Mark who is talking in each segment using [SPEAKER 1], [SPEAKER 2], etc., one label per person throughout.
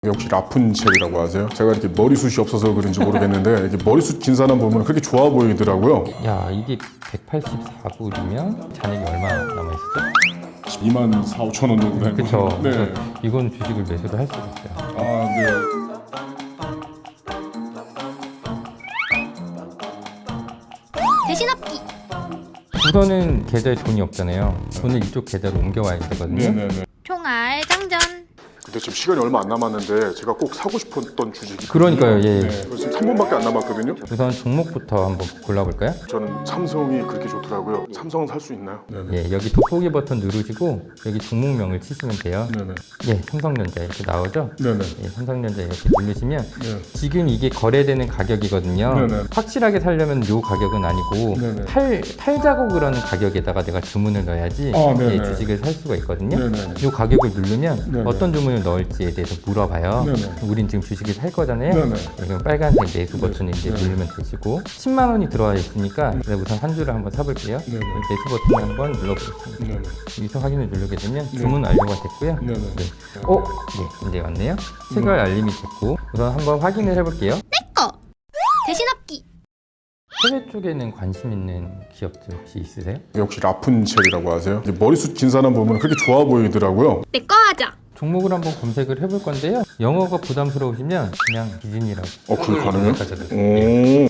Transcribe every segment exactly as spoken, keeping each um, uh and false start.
[SPEAKER 1] 혹시 라푼첼이라고 아세요? 제가 이렇게 머리숱이 없어서 그런지 모르겠는데 이렇게 머리숱 긴 사람 보면 그렇게 좋아 보이더라고요.
[SPEAKER 2] 야, 이게 백팔십사 불이면 잔액이 얼마 남아있었죠?
[SPEAKER 1] 이만 사천, 오천 원 정도 되는
[SPEAKER 2] 그쵸.
[SPEAKER 1] 거죠? 네.
[SPEAKER 2] 그래서 이건 주식을 매수를 할 수가 있어요.
[SPEAKER 1] 아, 네.
[SPEAKER 3] 대신합기.
[SPEAKER 2] 우선은 계좌에 돈이 없잖아요. 돈을 이쪽 계좌로 옮겨와야 되거든요.
[SPEAKER 1] 네네네.
[SPEAKER 3] 총알 장전.
[SPEAKER 1] 근데 지금 시간이 얼마 안 남았는데 제가 꼭 사고 싶었던 주식이
[SPEAKER 2] 그러니까요, 예.
[SPEAKER 1] 네. 지금 삼 분밖에 안 남았거든요.
[SPEAKER 2] 우선 종목부터 한번 골라볼까요?
[SPEAKER 1] 저는 삼성이 그렇게 좋더라고요. 삼성은 살 수 있나요? 네네.
[SPEAKER 2] 예, 여기 돋보기 버튼 누르시고 여기 종목명을 치시면 돼요.
[SPEAKER 1] 네네.
[SPEAKER 2] 예, 삼성전자 이렇게 나오죠?
[SPEAKER 1] 네네.
[SPEAKER 2] 예, 삼성전자 이렇게 누르시면
[SPEAKER 1] 네.
[SPEAKER 2] 지금 이게 거래되는 가격이거든요.
[SPEAKER 1] 네네.
[SPEAKER 2] 확실하게 살려면 요 가격은 아니고
[SPEAKER 1] 네네.
[SPEAKER 2] 팔, 팔자국을 하는 가격에다가 내가 주문을 넣어야지
[SPEAKER 1] 아, 네네.
[SPEAKER 2] 예, 주식을 살 수가 있거든요.
[SPEAKER 1] 네네.
[SPEAKER 2] 요 가격을 누르면
[SPEAKER 1] 네네.
[SPEAKER 2] 어떤 주문을 넣을지에 대해서 물어봐요.
[SPEAKER 1] 네네.
[SPEAKER 2] 우린 지금 주식을 살 거잖아요.
[SPEAKER 1] 네네.
[SPEAKER 2] 예, 그럼 빨간색 매수 버튼을 이제
[SPEAKER 1] 네네.
[SPEAKER 2] 누르면 되시고 십만 원이 들어와 있으니까 내가 우선 한 주를 한번 사볼게요.
[SPEAKER 1] 네네.
[SPEAKER 2] 매수 버튼을 한번 눌러보겠습니다.
[SPEAKER 1] 네네.
[SPEAKER 2] 여기서 확인을 누르게 되면
[SPEAKER 1] 네.
[SPEAKER 2] 주문 완료가 됐고요.
[SPEAKER 1] 네네.
[SPEAKER 2] 네. 어? 네, 이제 왔네요. 체결 알림이 됐고 우선 한번 확인을 해볼게요.
[SPEAKER 3] 내꺼. 대신합기.
[SPEAKER 2] 해외 쪽에는 관심 있는 기업들 혹시 있으세요?
[SPEAKER 1] 혹시 라푼첼이라고 아세요? 이렇게 머리숱 긴 사람 보면 그렇게 좋아 보이더라고요.
[SPEAKER 3] 내꺼 하자.
[SPEAKER 2] 종목을 한번 검색을 해볼 건데요. 영어가 부담스러우시면 그냥 디즈니라고.
[SPEAKER 1] 어, 그게 가능해요?
[SPEAKER 2] 검색하셔도 돼요.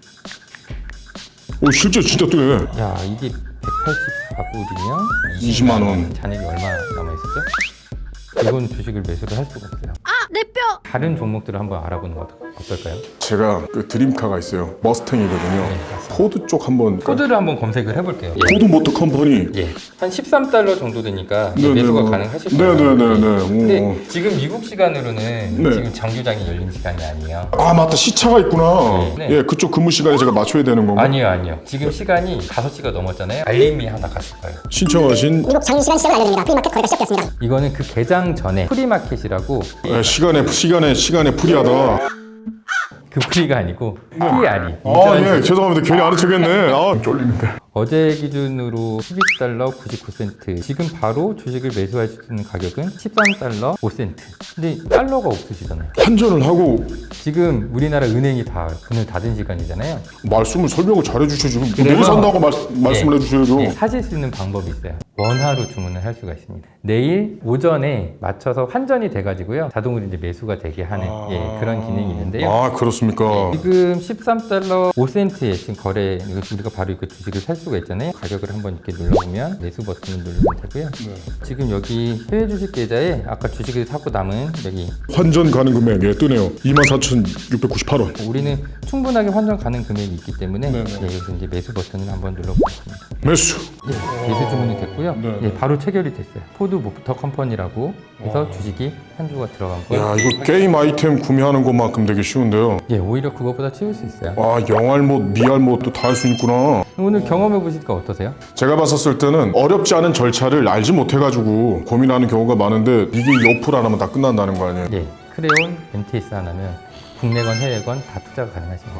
[SPEAKER 1] 오. 오, 실제 진짜 뜨네.
[SPEAKER 2] 야, 이게 백팔십사 불이면
[SPEAKER 1] 이십만 원.
[SPEAKER 2] 잔액이 얼마 남아있었죠? 이건 주식을 매수를 할 수가 없어요.
[SPEAKER 3] 아, 내 뼈.
[SPEAKER 2] 다른 종목들을 한번 알아보는 거 어떨까요?
[SPEAKER 1] 제가 그 드림카가 있어요. 머스탱이거든요.
[SPEAKER 2] 네, 맞습니다.
[SPEAKER 1] 포드 쪽 한번.
[SPEAKER 2] 코드를 한번 검색을 해볼게요. 예.
[SPEAKER 1] 포드 모터 컴퍼니.
[SPEAKER 2] 예, 한 십삼 달러 정도 되니까
[SPEAKER 1] 네,
[SPEAKER 2] 매수가
[SPEAKER 1] 네,
[SPEAKER 2] 가능하실 거예요.
[SPEAKER 1] 네네네네.
[SPEAKER 2] 근데 지금 미국 시간으로는
[SPEAKER 1] 네.
[SPEAKER 2] 지금 정규장이 열린 시간이 아니에요.
[SPEAKER 1] 아, 맞다. 시차가 있구나.
[SPEAKER 2] 네.
[SPEAKER 1] 예, 그쪽 근무 시간에 제가 맞춰야 되는 건가?
[SPEAKER 2] 아니요, 아니요. 지금 시간이 다섯 시가 넘었잖아요. 알림이 하나 갔을 거예요.
[SPEAKER 1] 신청하신
[SPEAKER 4] 미국 장인 시간 시작을 알려드립니다. 프리마켓 거래가 시작되었습니다.
[SPEAKER 2] 이거는 그 개장 전에 프리마켓이라고
[SPEAKER 1] 예, 시간에 시간에 시간에 프리하다.
[SPEAKER 2] 그 프리가 아니고 피알이.
[SPEAKER 1] 아, 예, 죄송합니다. 괜히 아는 척했네. 아, 쫄리는데.
[SPEAKER 2] 어제 기준으로 십이 달러 구십구 센트. 지금 바로 주식을 매수할 수 있는 가격은 십삼 달러 오 센트. 근데 달러가 없으시잖아요.
[SPEAKER 1] 환전을 하고
[SPEAKER 2] 지금 우리나라 은행이 다 문을 닫은 시간이잖아요.
[SPEAKER 1] 말씀을 설명을 잘해 주셔야죠.
[SPEAKER 2] 그래서-
[SPEAKER 1] 내일 산다고 말, 말씀을
[SPEAKER 2] 예,
[SPEAKER 1] 해주셔야죠.
[SPEAKER 2] 예, 사실 수 있는 방법이 있어요. 원화로 주문을 할 수가 있습니다. 내일 오전에 맞춰서 환전이 돼가지고요. 자동으로 이제 매수가 되게 하는
[SPEAKER 1] 아.
[SPEAKER 2] 예, 그런 기능이 있는데요.
[SPEAKER 1] 아, 그렇습니까?
[SPEAKER 2] 지금 십삼 달러 오 센트에 지금 거래, 이거 우리가 바로 이거 주식을 살 수가 있잖아요. 가격을 한번 이렇게 눌러보면 매수 버튼을 누르면 되고요.
[SPEAKER 1] 네.
[SPEAKER 2] 지금 여기 해외 주식 계좌에 아까 주식을 사고 남은 여기
[SPEAKER 1] 환전 가능 금액 예, 뜨네요. 이만 사천육백구십팔 원.
[SPEAKER 2] 우리는 충분하게 환전 가능 금액이 있기 때문에
[SPEAKER 1] 네네.
[SPEAKER 2] 예, 여기서 이제 매수 버튼을 한번 눌러보겠습니다.
[SPEAKER 1] 매수.
[SPEAKER 2] 예, 매수 주문이 됐고요.
[SPEAKER 1] 네네.
[SPEAKER 2] 예, 바로 체결이 됐어요. 포드 모터 컴퍼니라고 해서 주식이 한 주가 들어갔고요.
[SPEAKER 1] 야, 이거 게임 아이템 구매하는 것만큼 되게 쉬운데요.
[SPEAKER 2] 예, 오히려 그것보다 채울 수 있어요.
[SPEAKER 1] 아, 영알못, 미알못도 다 할 수 있구나.
[SPEAKER 2] 오늘 경험해 보시니까 어떠세요?
[SPEAKER 1] 제가 봤었을 때는 어렵지 않은 절차를 알지 못해가지고 고민하는 경우가 많은데 이게 이 어플 하나면 다 끝난다는 거 아니에요?
[SPEAKER 2] 예, 크레온 엠티에스 하나면 국내건 해외건 다 투자가 가능하십니다.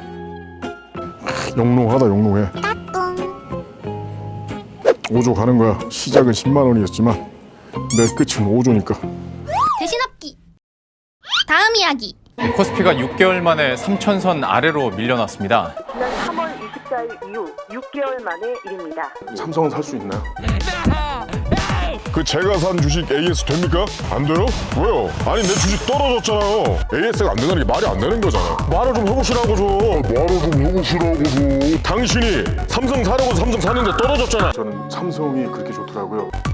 [SPEAKER 1] 영롱하다, 영롱해. 오조 가는 거야. 시작은 십만 원이었지만 내 끝은 오조니까.
[SPEAKER 3] 대신합기. 다음 이야기.
[SPEAKER 5] 코스피가 육 개월 만에 삼천선 아래로 밀려났습니다.
[SPEAKER 6] 지난 삼월 이십사일 이후 육 개월 만의 일입니다.
[SPEAKER 1] 삼성은 살 수 있나요? 그 제가 산 주식 에이에스 됩니까? 안 돼요? 왜요? 아니 내 주식 떨어졌잖아요. 에이에스가 안 된다는 게 말이 안 되는 거잖아. 말을 좀 해보시라고 좀. 말을 좀 해보시라고 좀. 당신이 삼성 사려고 삼성 사는데 떨어졌잖아. 저는 삼성이 그렇게 좋더라고요.